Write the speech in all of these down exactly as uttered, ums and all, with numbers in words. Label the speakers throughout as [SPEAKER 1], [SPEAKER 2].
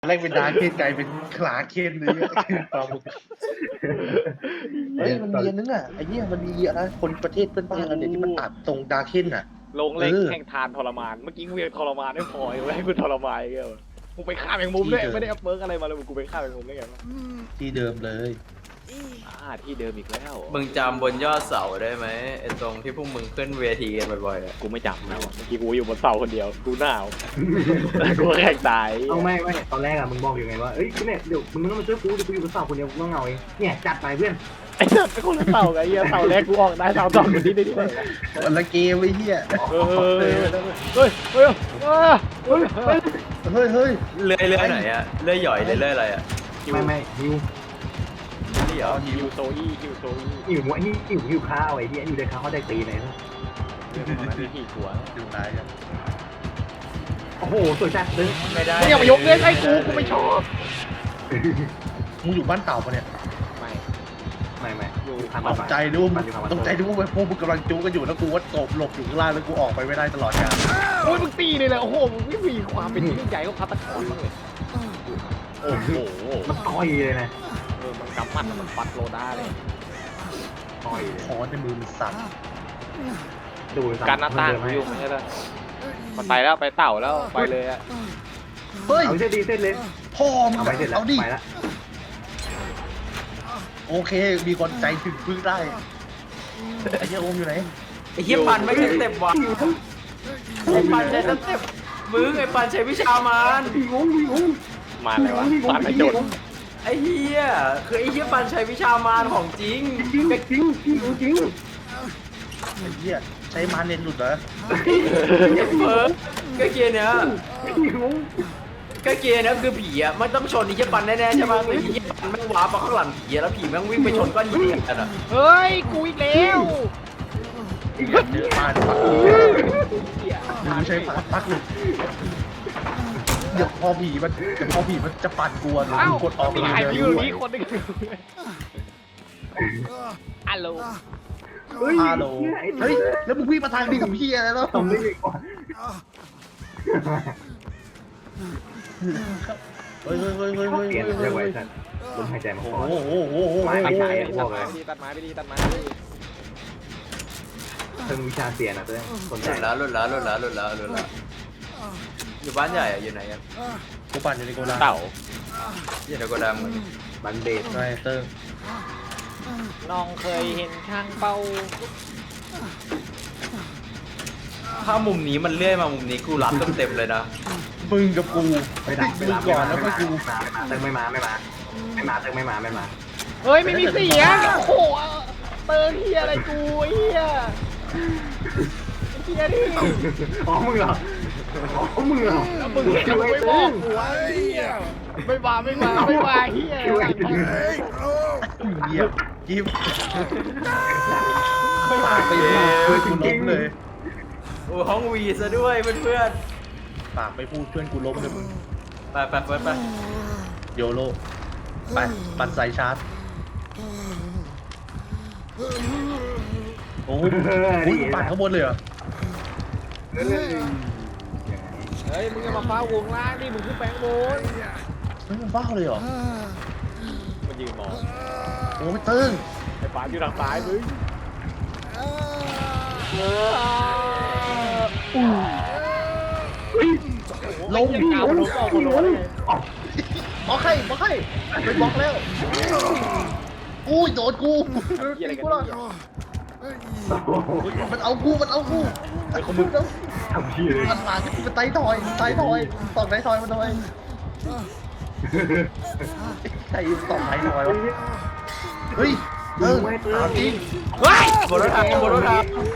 [SPEAKER 1] แรกเป็นดาร์คเคนกลายเป็นคลาเคนเลยตอมเฮ้ยมันมีอันนึงอ่ะไอ้เนี่ยมันมีอะไรคนประเทศเพื่อนบ้านเราเนี่ยที่มันตัดตรงดาร์คเคนอ่ะ
[SPEAKER 2] ลงเล็กแข่งทานทรมานเมื่อกี้กูยังทรมานไม่พอยังให้กูทรมานเงี้ยกูไปฆ่าแมงมุมด้วยไม่ได้เอาเบิร์กอะไรมาเลยกูไปฆ่าแมงมุมได้ไงวะ
[SPEAKER 1] ที่เดิมเลย
[SPEAKER 2] อ่าที่เดิมอีกแล้ว
[SPEAKER 3] มึงจำบนยอดเสาได้ไหมไอ้ตรงที่พวกมึงขึ้นเวทีกันบ่อยๆอ่ะ
[SPEAKER 2] กูไม่จำนะเมื่อกี้กูอยู่บนเสาคนเดียวกูหนาวกูแข่งตาย
[SPEAKER 4] เอาไม่ไม่ตอนแรกอะมึงบอกอยู่ไงว่าเอ้ยเนี่ยเดี๋ยวมึงต้องมาช่วยกูเดี๋ยวกูอยู่บนเสาคนเดียวกูต้องเหงาเองเนี่ยจัดไปเพื่อน
[SPEAKER 2] ไอ้สัตว์เป็นคนละเสาไงเหี้ยเสาแรกกูออกได้เสาสองคนที่ได้ที่ไหน
[SPEAKER 1] วันละเกมไอ้เหี้ย
[SPEAKER 2] เฮ้ยเฮ้ยเฮ้ยเฮ้ยเฮ้ย
[SPEAKER 1] เฮ้ยเฮ้ย
[SPEAKER 3] เลื่อยเลื่อยไหนอ่ะเลื่อยหย่อยหรือเลื่อยอะไรอ่ะ
[SPEAKER 4] ไม่ไม่หิว
[SPEAKER 3] นี่เหรอ
[SPEAKER 2] ฮิวโซอี้ฮิวโซอี้
[SPEAKER 4] หิวหิวหิวหิวข้าวไอ้ที่อยู่ในข้าวเขาได้ตีไหนนะ
[SPEAKER 2] เรื่องของนั้นที่ขี่หัว
[SPEAKER 1] ดูร้ายกัน
[SPEAKER 4] โอ้โหสวยจัดเลย
[SPEAKER 3] ไม่ได้
[SPEAKER 2] ไม่อยากมายกเล่นให้กูกูไม่ชอบ
[SPEAKER 1] มึงอยู่บ้านเต่าปะเนี่ย
[SPEAKER 2] ไม่
[SPEAKER 4] ไม่ไม่อยู่ทาง
[SPEAKER 1] ตกใจด้วยมึงตกใจด้วยว่าพวกมึงกำลังจู้กันอยู่แล้วกูว่าตบหลบอยู่ข้างล่างแล้วกูออกไปไม่ได้ตลอดกาล
[SPEAKER 2] โอ้ยมึงตีเลยแหละโอ้โหมึงไม่มีความเป็นยิ่งใหญ่ก็พัตตะกอนบ้างเลยโอ้โห
[SPEAKER 4] มันต่อยเลยนะ
[SPEAKER 2] เออมันกำปั้นมันฟัดโลด้าเลย
[SPEAKER 4] ต่อย
[SPEAKER 1] คอในมือมันสั่น
[SPEAKER 4] ดู
[SPEAKER 2] การหน้าต่างกูยุ่งไม่ใช่เหรอมันไปแล้วไปเต่าแล้วไปเลยอะ
[SPEAKER 1] เฮ้ย
[SPEAKER 4] เอาเส้นดีเส้นเล็ก
[SPEAKER 1] พ่อมึง
[SPEAKER 4] เอาไปเสร็จแล้ว
[SPEAKER 1] เอาดิ
[SPEAKER 4] ไปละ
[SPEAKER 1] โอเคมีคนใจถึงพึ่งได้ไอ้เหี้ยโอมอยู่ไหน
[SPEAKER 3] ไอ้เหี้ยปันไม่ใช่สเต็ปว่ะไอ้ปันใช้สเต็ปมึงไอ้ปันใช้วิชามาร
[SPEAKER 4] หิวหิว
[SPEAKER 2] มาเลยวะฟันไม่โดน
[SPEAKER 3] ไอ้เหี้ยคือไอ้เหี้ยปันใช้วิชามารของจริง
[SPEAKER 4] จริงจริงจริงจริง
[SPEAKER 1] ไอ้เหี้ยใช้มาเน้นหลุดเหรอ
[SPEAKER 3] ไอ้เพิร์กก็เกียร์เนี้ย
[SPEAKER 4] หิว
[SPEAKER 3] ก็เกียร์เนี้ยคือผีอ่ะมันต้องชนไอ้เหี้ยปันแน่ๆใช่ไหมไอ้เหี้ยปันแม่งว้าร์ปมาข้างหลังผีแล้วผีแม่งวิ่งไปชนก้อนหินกันอ่ะ
[SPEAKER 2] เฮ้ยกูอีกแล้ว
[SPEAKER 1] เจอป้านปักมึงใช้ปากปักหลุดเดี๋ยวพอผีมันเดี๋ยวพอผีมันจะปั่นกลัวหรือ
[SPEAKER 2] อ้าว
[SPEAKER 1] กดออก
[SPEAKER 2] มี
[SPEAKER 1] เลย
[SPEAKER 2] ใคร
[SPEAKER 1] เดี๋
[SPEAKER 2] อยู่
[SPEAKER 1] ยว
[SPEAKER 2] นี่คนหนึงฮัลโหล
[SPEAKER 4] เฮ้ย
[SPEAKER 1] ฮัลโหลเฮ้ยแล้วมึงวิ่งมาทางนี้กับพี่อะไรแล้ว
[SPEAKER 4] ทำได้ดีกว่า
[SPEAKER 1] เฮ้ยเฮ้ยเฮ้ยเฮ้ยเฮ้ย
[SPEAKER 4] เปลี่ยน
[SPEAKER 1] เฮ้ย
[SPEAKER 4] เรียกว่า
[SPEAKER 1] เฮ้ย
[SPEAKER 4] สัตว์ลมหายใจมา
[SPEAKER 1] โอ้
[SPEAKER 4] ก่อน
[SPEAKER 1] โหโอ้โหโอ้โห
[SPEAKER 4] ไม่ไม่ใช่
[SPEAKER 2] ตัดไม้ไปดีตัดไม้ไปดีตัดไม้ไปดี
[SPEAKER 4] เพิ่งวิชาเสียนะเพื่อนสน
[SPEAKER 3] ห
[SPEAKER 4] ใจ
[SPEAKER 3] ลุดแล้วหลุดแล้วหลุดแล้วหลุดแล้วหลุดแล้วอยู่บ้านใหญ่อะอยู่ไหนอะ
[SPEAKER 1] กูปั่นอยู่ในโกดัง
[SPEAKER 2] เต่า
[SPEAKER 3] อยู่ในโกดังเหมือน
[SPEAKER 4] บันเดต
[SPEAKER 1] ใช่เติ้ง
[SPEAKER 2] น้องเคยเห็นช่างเป้า
[SPEAKER 3] ถ้ามุมนี้มันเลื่อยมามุมนี้กูรับเต็มๆเลยนะ
[SPEAKER 1] มึงกับกู
[SPEAKER 4] ไม่ได้
[SPEAKER 1] มึ
[SPEAKER 4] ไม่
[SPEAKER 1] ง
[SPEAKER 4] มา
[SPEAKER 1] ก่อนแล้วก็กู
[SPEAKER 4] เติมไม่มาไม่มาไม่มาเติมไม่มาไม่มา
[SPEAKER 2] เฮ้ยไม่มีเสียงโอ้โหเติร์เฮียอะไรกูเฮียเฮียดิ
[SPEAKER 4] อ๋อมึงเหรออ๋อมึงเหรอ
[SPEAKER 2] มึงเห็นไม่บอกกูวะเฮียไม่มาไม่มาไม่มาเฮีย
[SPEAKER 1] เหยียบจิ้มไม่ปากไปพูดเพื่อนกูล้มเลย
[SPEAKER 3] โอ้ห้องวีซะด้วยเพื่อน
[SPEAKER 1] ปากไปพูดเพื่อนกูล้มเลยมึง
[SPEAKER 3] ๆไปไปไปไป
[SPEAKER 1] โยโร่ไปปั่นสายชาร์จโอ้ยอุ๊ยปั่นข้างบนเลยเหรอ
[SPEAKER 2] เฮ้ยมึงจะมาฟ้าวงล่างดิมึงขึ้นแปลงบน
[SPEAKER 1] เฮ้ยมันบ้าเลยเหรอ
[SPEAKER 2] มันยืนมอง
[SPEAKER 1] โอ้ยเติ้ง
[SPEAKER 2] ไอ้ฟ้าอยู่ทางซ้ายมึงลงเก่าลงเก่าคนร้อนเลย
[SPEAKER 1] บล็อกให้บล็อกให้ไปบล็อกแล้วอุ้ยโดนกู
[SPEAKER 2] ยี่อะไร
[SPEAKER 1] ตี
[SPEAKER 2] กัน
[SPEAKER 1] กูละ
[SPEAKER 2] เนี่ย
[SPEAKER 1] มันเอากูมันเอากูไอ้คนมึงแล้ว
[SPEAKER 4] ทำพี่เลย
[SPEAKER 1] มันมาที่มันไตทอยไตทอยตอกไตทอยมันทำไมใครตอกไตทอยวะเฮ้ยเออถามจริง
[SPEAKER 2] เฮ้ย
[SPEAKER 3] บนรถทางบนรถทาง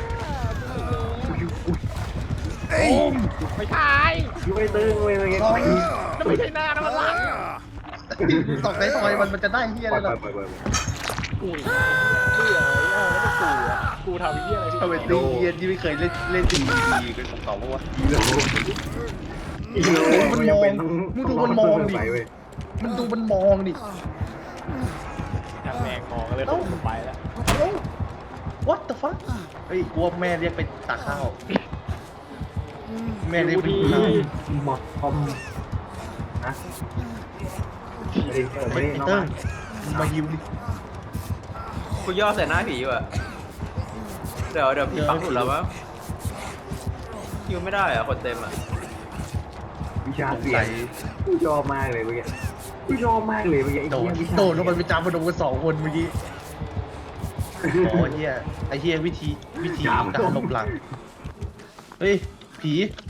[SPEAKER 1] โอ้ม
[SPEAKER 2] ไม่ใช่
[SPEAKER 4] ยูไม่ตึงเว้ยอะไรเงี้ย
[SPEAKER 1] ตอก
[SPEAKER 2] นั่นไม่ใช่หน้านั่นมันหลัง
[SPEAKER 1] ตอกไตทอยมันมันจะได้เฮีย
[SPEAKER 4] ป
[SPEAKER 1] อะ
[SPEAKER 4] ล่
[SPEAKER 1] ไร
[SPEAKER 4] อย
[SPEAKER 1] หรอ
[SPEAKER 4] ปล่อยปล่อย
[SPEAKER 2] กูเบื่อแล้วกูกูทำเหี้ยอะไรที่
[SPEAKER 1] ทำไมตีเฮียที่ไม่เคยเล่นเล่นตีดีกันของเขาวะ
[SPEAKER 4] อีโลอีโลมันดูมันมองดิ
[SPEAKER 1] มันดูมันมองดิ
[SPEAKER 2] ทางแมงมองเลยต้องไปแล้ว
[SPEAKER 1] what the fuck เฮ้ยกลัวแม่เรียกไปตักข้าวแม่เรียกไป
[SPEAKER 2] ดี
[SPEAKER 1] กินข้าว
[SPEAKER 4] หมดคอมนะไม่ได้ไม่
[SPEAKER 1] เฮ้ย
[SPEAKER 4] ได้
[SPEAKER 1] ไอ้
[SPEAKER 4] น้อง
[SPEAKER 1] เติ้
[SPEAKER 4] มาง
[SPEAKER 1] มึงมายิวดิ
[SPEAKER 3] กูย่อใส่หน้าผีว่ะเดี๋ยวเดี๋ยวพี่ปักหลุดแล้วมั้งคิวไม่ได้อะคนเต็มอะ
[SPEAKER 4] วิชาเสียงกูชอบมากเลยเมื่อกี้กูชอบมากเลยเมื่อกี้ไอ้
[SPEAKER 1] โดน
[SPEAKER 4] เหี้ยวิชา
[SPEAKER 1] โดนลงไปไปจับมาโดนกันสองคนเมื่อกี้อ๋อเฮียไอ้เฮียวิธีวิธีการหลบหลังเฮ้ยผี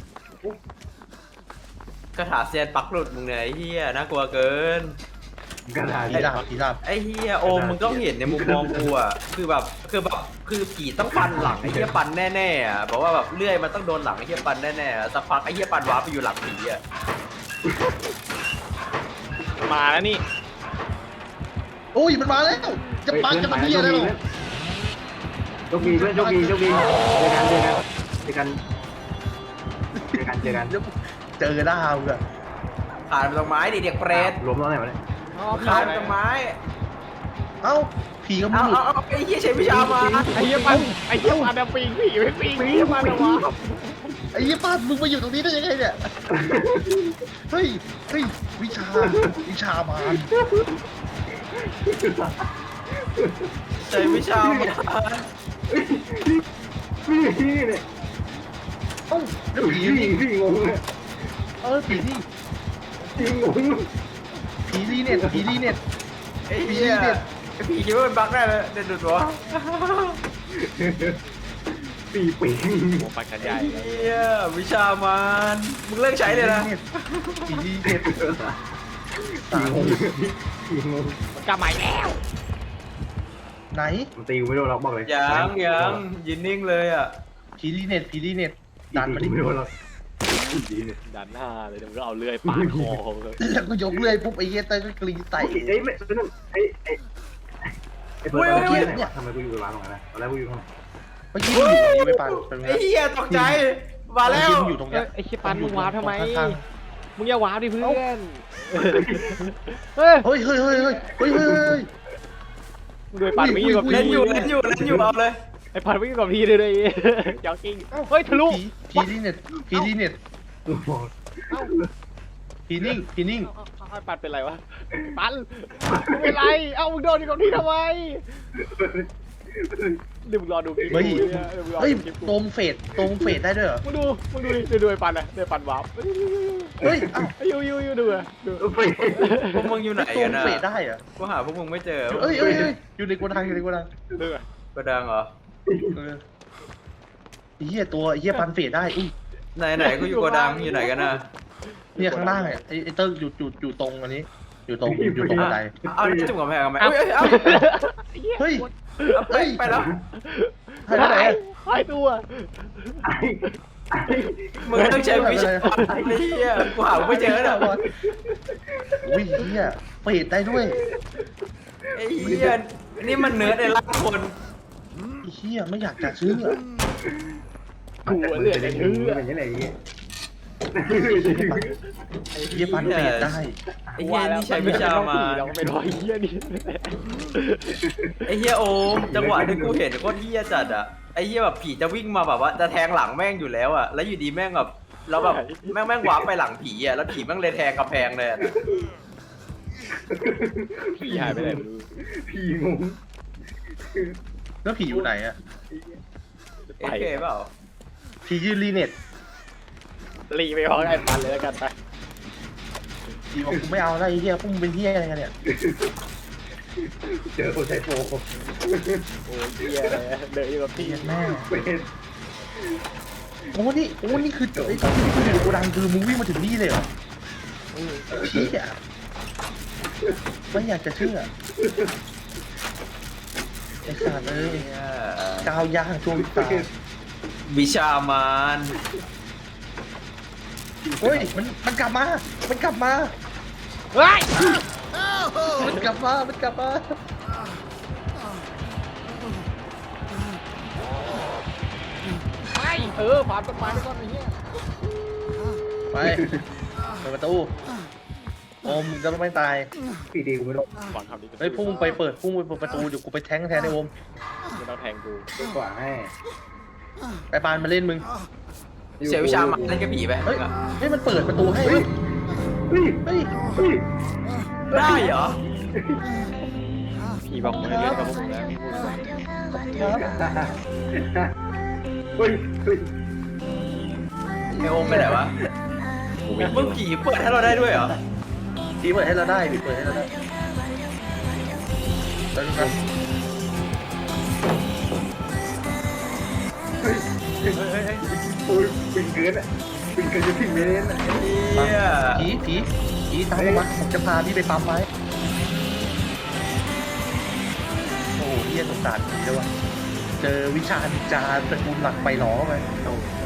[SPEAKER 3] คาถาเซียนปักหลุดมึงเนี่ยไอ้เหี้ยน่ากลัวเกิน
[SPEAKER 4] กระดาษ
[SPEAKER 1] ผีดาบผีดาบ
[SPEAKER 3] ไอ้เฮียโอมมึงก็เห็นในมุมมองกูอ่ะคือแบบคือแบบคือผีต้องปันหลังไอ้เฮียปันแน่ๆอ่ะบอกว่าแบบเลื่อยมันต้องโดนหลังไอ้เฮียปันแน่ๆอะสักพักไอ้เฮียปันว้าร์ปไปอยู่หลังผีอ่ะ
[SPEAKER 2] มาแล้วนี่
[SPEAKER 1] โอ้ยมันมาแล้วจะปังจะมันเฮียแล้ว
[SPEAKER 4] โชคดีเพื่อนโชคดีโชคดีเจอกันเจอกันเจอกันเจอกัน
[SPEAKER 1] เจอหน้ามึงอะ
[SPEAKER 3] ขาดไปตรงไม้ดิเด็กเปรต
[SPEAKER 4] ล้มแล้วไหนวะเนี่ย
[SPEAKER 3] ขาดไปตรงไม้
[SPEAKER 1] เอ้าผีก็ไม่
[SPEAKER 3] เอา
[SPEAKER 1] หลุ
[SPEAKER 3] เอา
[SPEAKER 1] ด
[SPEAKER 3] เอาไอ้เฮียใช้วิชามา
[SPEAKER 2] ไอ้เหี้ยปันไอ้เหี้ยปันอะปิงผีไม่ปิงไอ้เหี้ยปันอะวะ
[SPEAKER 1] ไอ้ยี่ป้ามึงมาอยู่ตรงนี้ได้ยังไงเนี่ยเฮ้ยเฮ้ยวิชาวิชามาร
[SPEAKER 3] ใช้วิชามา
[SPEAKER 4] นี่นี่เนี่ย
[SPEAKER 1] เอ้าแล้ว
[SPEAKER 4] ผี
[SPEAKER 1] ผี
[SPEAKER 4] พี่
[SPEAKER 1] นี่
[SPEAKER 4] พี่งงเลย
[SPEAKER 1] เออผีนี่
[SPEAKER 4] พี่งง
[SPEAKER 1] ผีรีเน็ตผีรีเน็ต
[SPEAKER 3] ไอ้เฮียผีคิดว่ามันบั๊กได้เลยเด็ดดุดวะ
[SPEAKER 4] ปีปี
[SPEAKER 2] โอ้ปันกันใหญ่
[SPEAKER 3] ไอ้เฮียวิชามันมึงเลิกใช้เลยนะ
[SPEAKER 1] ผีรีเน็ต
[SPEAKER 4] ผีงงผีงง
[SPEAKER 2] มันกลับมาอีกแล้ว
[SPEAKER 1] ไหน
[SPEAKER 4] มันตีกูไม่โดนล็อกบอกเลย
[SPEAKER 3] ยังยังยืนนิ่งเลยอ่ะ
[SPEAKER 1] ผีรีเน็ตผีรีเน็ตดันมาดิ
[SPEAKER 4] ไม่โดนล็อกดีเนี่ย
[SPEAKER 2] ดันหน้าเลยเดี๋ยวมึงก็เอาเลื่อยปาดคอเขาเลย
[SPEAKER 1] แล้วก็ยกเลื่อยปุ๊บไอ้เหี้ยเต้ยก็กรีดใส่
[SPEAKER 4] ไอ้ไม่ไอ้ไอ้ไอ้เปิดตะเกียบเนี่ยทำไมกูอยู่กับร้านตรงนั้นนะตอนแรกกูอยู่ข้างใน
[SPEAKER 1] เมื่อกี้มึงอยู่ตรงนี้ไม่ปันเป็นไง
[SPEAKER 3] ไอ้เฮียตกใจมาแล้ว
[SPEAKER 1] มึงอยู่ตรง
[SPEAKER 2] เอ้
[SPEAKER 1] เนี้
[SPEAKER 2] ย
[SPEAKER 1] ย
[SPEAKER 2] ไอ้เหี้ยปันมึงวาร์ปทำไม
[SPEAKER 1] ข้าง
[SPEAKER 2] มึงอย่าวาร์ปดิเพื่อนเฮ้ย
[SPEAKER 1] เฮ้ยเฮ้ยเฮ้ยเฮ้ยเฮ้ยเฮ้ยเฮ้ย
[SPEAKER 2] มึงโดยปันไม่อยู่กับพี่
[SPEAKER 3] เล่นอยู่เล่นอยู่เล่นอยู่เอาเลย
[SPEAKER 2] ไอ้ปันไม่อยู่กับพี่เลยเลยจ็อกกิ้งเฮ้ยทะลุ
[SPEAKER 1] ผีผีรีเน็ตผีรีเน็ต
[SPEAKER 4] กูบอก
[SPEAKER 2] เอ้า
[SPEAKER 1] ผีนิ่งผีนิ่ง
[SPEAKER 2] เอาเอาเอาปันเป็นไรวะปันมึงเป็นไรเอ้ามึงโดนอยู่กับพี่ทำไมเดี๋ยวมึงรอดูคลิป
[SPEAKER 1] เฮ้ย
[SPEAKER 2] กูเนี่ยเดี๋ยวมึงรอ
[SPEAKER 1] เฮ้ย
[SPEAKER 2] ดูคลิปกู
[SPEAKER 1] ตรงเฟดตรงเฟดได้ด้วยเหรอ
[SPEAKER 2] มึงดูมึงดูดิเดี๋ยวดูไอ้ปันนะเดี๋ยวปันวาร์ป
[SPEAKER 1] เฮ้ยเอ้า
[SPEAKER 2] ไอ้ยูยูยูดูอะดู
[SPEAKER 4] ไป
[SPEAKER 3] พวกมึงอยู่ไหน
[SPEAKER 1] ตร
[SPEAKER 3] กั
[SPEAKER 1] ง
[SPEAKER 3] นนะ
[SPEAKER 1] เฟดได้เหรอ
[SPEAKER 3] กูหาพวกมึงไม่เจอ
[SPEAKER 1] เอ้ยเอ้ยเอ้ยอยู่ในโกดังอยู่ในโกดัง
[SPEAKER 2] ดูอะ
[SPEAKER 3] กระดังเหรอ
[SPEAKER 1] เออไอ้เหี้ยตัวไอ้เหี้ยปันเฟดได้อุ้ย
[SPEAKER 3] ไหนไหนกูอยู่กระดังอยู่ไหนกันนะ
[SPEAKER 1] เนี่ยข้างล่างเนี่ยไอ้ไอ้เติ้งอยู่อยู่อยู่ตรงอันนี้ อยู่ตรงอยู่ตรงบันได
[SPEAKER 3] เอาจุ่มกับแพงกันไหม
[SPEAKER 2] เอา
[SPEAKER 3] เอ้ยเอา
[SPEAKER 1] เฮ้ย
[SPEAKER 3] เอาไปแล้ว
[SPEAKER 1] หายไปไหนอะ
[SPEAKER 2] หายตัว
[SPEAKER 4] ไอ้ไอ้
[SPEAKER 3] มึงต้องใช้วิชาไอ้เหี้ยกูหาไม่เจอแล้ว
[SPEAKER 1] อุ้ยเหี้ยเฟดได้ด้วย
[SPEAKER 3] ไอ้เหี้ยนี่มันเนื้อในร่างคน
[SPEAKER 1] ไอ้เหี้ยไม่อยากจะเชื่อ
[SPEAKER 2] กูเหลือแต่เชื่อ
[SPEAKER 4] เป็นยังไงอย่างเงี้ย
[SPEAKER 1] ไอ้เหี้ยปันเฟดได้
[SPEAKER 3] ไอ้เหี้ยนี่ใช้วิชามา
[SPEAKER 2] เราก็ไปรอยเหี้ยนี่
[SPEAKER 3] ไอ้เหี้ยโอมจังหวะที่กูเห็นโคตรเหี้ยจัดอะไอ้เหี้ยแบบผีจะวิ่งมาแบบว่าจะแทงหลังแม่งอยู่แล้วอะแล้วอยู่ดีแม่งแบบแล้วแบบแม่งแม่งวาร์ปไปหลังผีอะแล้วผีแม่งเลยแทงกระแพงเลยอะ
[SPEAKER 2] ผีหายไปไหนไม่รู้
[SPEAKER 4] ผีงง
[SPEAKER 1] แล้วผีอยู่ไหนอะ
[SPEAKER 3] เอเคเปล่า
[SPEAKER 1] ผียืนรีเน็ต
[SPEAKER 2] รีไปพร้อมไอ้ปันเลยแล้วกันไป
[SPEAKER 1] ผีบอกกูไม่เอาอะไรไอ้เหี้ยพวกมึงเป็นเหี้ยอะไรกันเนี่ย
[SPEAKER 4] เจอคนใช้โฟม
[SPEAKER 2] โอ้ยเหี้ยอะไรเดินอยู่กับพี่
[SPEAKER 1] เหี้ยแม่
[SPEAKER 4] เป็น
[SPEAKER 1] โอ้นี่โอ้นี่คือไอ้ตอนที่มึงอยู่ในโกดังคือมึงวิ่งมาถึงนี่เลยเหรอเหี้ยไม่อยากจะเชื่อไอ้สัตว์เอ้ยก้าวย่างช่วงตา
[SPEAKER 3] วิชามาน
[SPEAKER 1] เฮ้ยมันมันกลับมามันกลับมา
[SPEAKER 2] เฮ้ย
[SPEAKER 1] มันกลับมามันกลับมา
[SPEAKER 2] ไม่เออผ่านต้นไม้ไปก่อนไอ้เหี้ย
[SPEAKER 1] ไปเปิดประตูโอมมึงจะไม่ตาย
[SPEAKER 4] ปีดีกูไม่รู้
[SPEAKER 2] ก่อนทำดี
[SPEAKER 1] เฮ้ยพุ่งไปเปิดพุ่งไปเปิดประตูเดี๋ยวกูไปแทงแทนไอ้โอม
[SPEAKER 2] ไม่ต้องแทงกู
[SPEAKER 4] ดีกว่าให้
[SPEAKER 1] ไปปานมาเล่นมึง
[SPEAKER 3] เสียวิชามานเล่นกับผีไป
[SPEAKER 1] เฮ้ยเฮ้ยมันเปิดประตูให้เว้ย
[SPEAKER 4] ไเฮ้ย
[SPEAKER 1] เฮ้ย
[SPEAKER 4] เฮ้ย
[SPEAKER 3] ได้เหรอ
[SPEAKER 2] พี่บอกมึงให้เล่นกับพวกมึงแล้วพี่พูดไป
[SPEAKER 4] เฮ้ยเฮ้ย
[SPEAKER 3] ไอโอมไปไหนวะ
[SPEAKER 2] กูวิ่ง
[SPEAKER 3] มึงผีเปิดให้เราได้ด้วยเหรอ
[SPEAKER 1] ทีเปิดให้เราได้ดิเปิดให้เราได้แล้วนะ
[SPEAKER 3] เฮ้ยเฮ้ยเฮ้ย
[SPEAKER 4] โอ้ยปิ่นเกินอ่ะปิ่นเกินจะถึงเมตรอ่ะ
[SPEAKER 3] เฮีย
[SPEAKER 1] ผีผีผีตามผมมาผมจะพาพี่ไปปั๊มไว้โอ้โหเฮียสงสารผีด้วยว่ะเจอวิชานินจาตระกูลหลักไปหลอเข้าไป
[SPEAKER 3] โอ้